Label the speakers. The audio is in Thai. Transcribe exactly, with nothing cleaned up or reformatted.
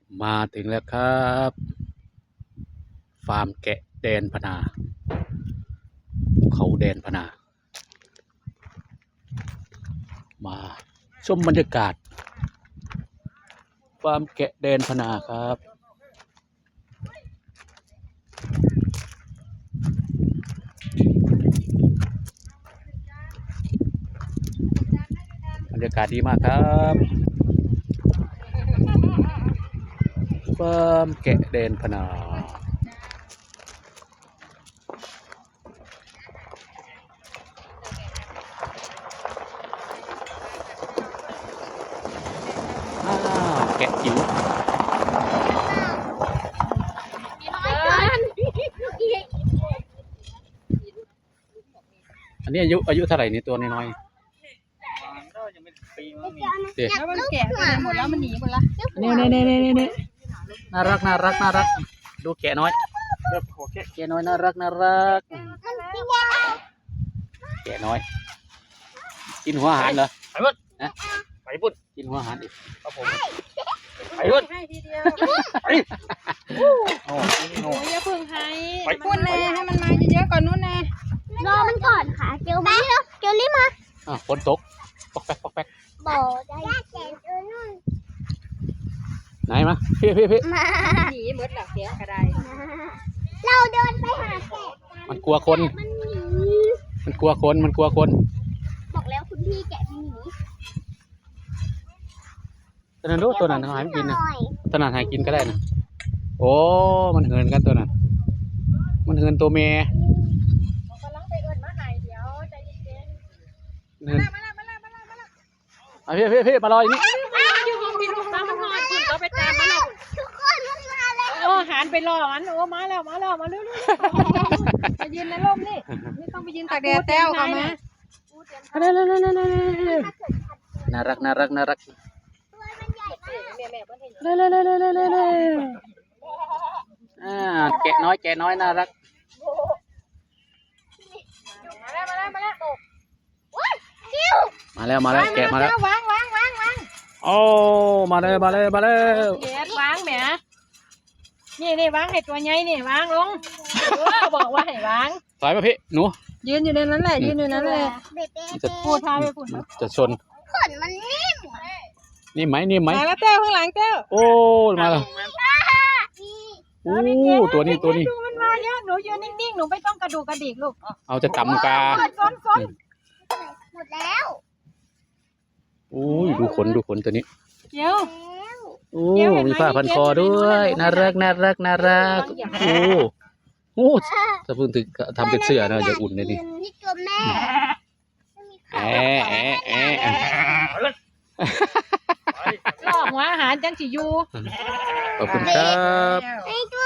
Speaker 1: มาถึงแล้วครับฟาร์มแกะแดนพนาเขาแดนพนามาชมบรรยากาศฟาร์มแกะแดนพนาครับบรรยากาศดีมากครับฟาร์มแกะแดนพนาแกะจิ๋วอันนี้อายุอายุเท่าไหร่นี่ตัวน้อยๆเด็ก
Speaker 2: แล้วมันแก่ไปหมดแล้วมันหนีหมดแล้ว
Speaker 1: นี่นี่นี่นี่นี่น่ารักน่ารักน่ารักดูแกะน้อยแกะน้อยน่ารักน่ารักแกะน้อยกินหัวอาหารเหรอไปพุ่นนะไปพุ่นกินหัวอาหารอีกครับผมไปพุ่น
Speaker 2: ให้ทีเดียว
Speaker 1: ไปโอ้
Speaker 2: โอ้ยอย่าพึ่งให้พุ่นเลยให้มันมาเยอะๆก่อนนู้นนะ
Speaker 3: รอมันก่อนค่ะเกลมาแล้วเกลรีบมา
Speaker 1: อ่ะฝนตกปอกแป๊กปอกแป๊ก
Speaker 3: บอกได้แก่เออนู่น
Speaker 1: ไหนมาพี่พี่พี่
Speaker 3: มา
Speaker 2: หนีหมดหลักเสียกระได
Speaker 3: เราเดินไปหาแกะ
Speaker 1: มันกลัวคน
Speaker 3: มันหนี
Speaker 1: มันกลัวคนมันกลัวคน
Speaker 3: บอกแล้วคุณพี่แกะมันหนี
Speaker 1: ตัวนั้นรู้ตัวนั้นหายไม่กินนะตัวนั้นหายกินก็ได้นะโอ้มันเหินกันตัวนั้นมันเหินตัวเมีย
Speaker 2: กำลังไปเอิญมาหายเดี๋ยวใจเย็น
Speaker 1: เหิน
Speaker 2: ๆมาละมาละมาละมาละ
Speaker 1: อ่ะพี่พี่พี่มารออยู่นี่
Speaker 2: อยู่ห้องพี่ลูกตามมันนอนคุณก็ไปตามมาแล้ว
Speaker 3: ทุกคนมันมาแล้ว
Speaker 2: โอ้หันไปรอมันโอ้มาแล้วมาแล้วมาเร็วๆมายืนในร่มนี่นี่ต้องไปยืนตากแดดแต้วเขามา
Speaker 1: น่ารักน่ารักน่ารัก
Speaker 3: ตัวมันใหญ่มาก
Speaker 2: แม่แม่เพิ่นเห็น
Speaker 1: เล่เล่เล่เล่เล่เล่เล่อ่าแกะน้อยแกะน้อยน่ารัก
Speaker 2: มาแล้วมาแล้วมาแล้ว
Speaker 3: ว้ายคิว
Speaker 1: มาแล้วมาแล้วแกะมาแล้ว
Speaker 2: วางวางวางวาง
Speaker 1: โอ้มาเลยมาเลยมาเลย
Speaker 2: เด็ดวางแหมนี่นี่วางให้ตัวใหญ่นี่วางลงเออบอกว่าให้วาง
Speaker 1: ถอยมาพี่หนู
Speaker 2: ยืนอยู่ในนั้นแหละยืนอยู่นั้นแหละ
Speaker 3: เบ๊ะเบ๊ะ
Speaker 1: จะ
Speaker 2: พูดพาไปพูด
Speaker 1: จะชน
Speaker 3: ขนมันนิ่ม
Speaker 1: นี่ไหมนี่ไหม
Speaker 2: มาแล้วเต้วข้างหลังเต้ว
Speaker 1: โอ้มาแล้ว
Speaker 3: นี่
Speaker 1: โอ้ตัวนี้ตัวนี้
Speaker 2: ดูมันมาเยอะหนูยืนนิ่งๆหนูไม่ต้องกระดูกกระดิกลูก
Speaker 1: เอาจะกำกา
Speaker 2: ซ้อนซ้อน
Speaker 3: หมดแล้ว
Speaker 1: โอ้ยดูขนดูขนตัวนี้
Speaker 2: เดี๋ยว
Speaker 3: แล้ว
Speaker 1: โอ้มีผ้าพันคอด้วยน่ารักน่ารักน่ารักโอ้โอ้ถ้าเพิ่งถึงทำเป็นเสื้อนะจะอุ่นเลยนี่
Speaker 3: นี่ตัวแม่
Speaker 1: แอะแอะแอะแอะ
Speaker 2: ลอกหัวอาหารจังสิอยู่
Speaker 1: ขอบคุณครับ
Speaker 3: ไอ้ตัว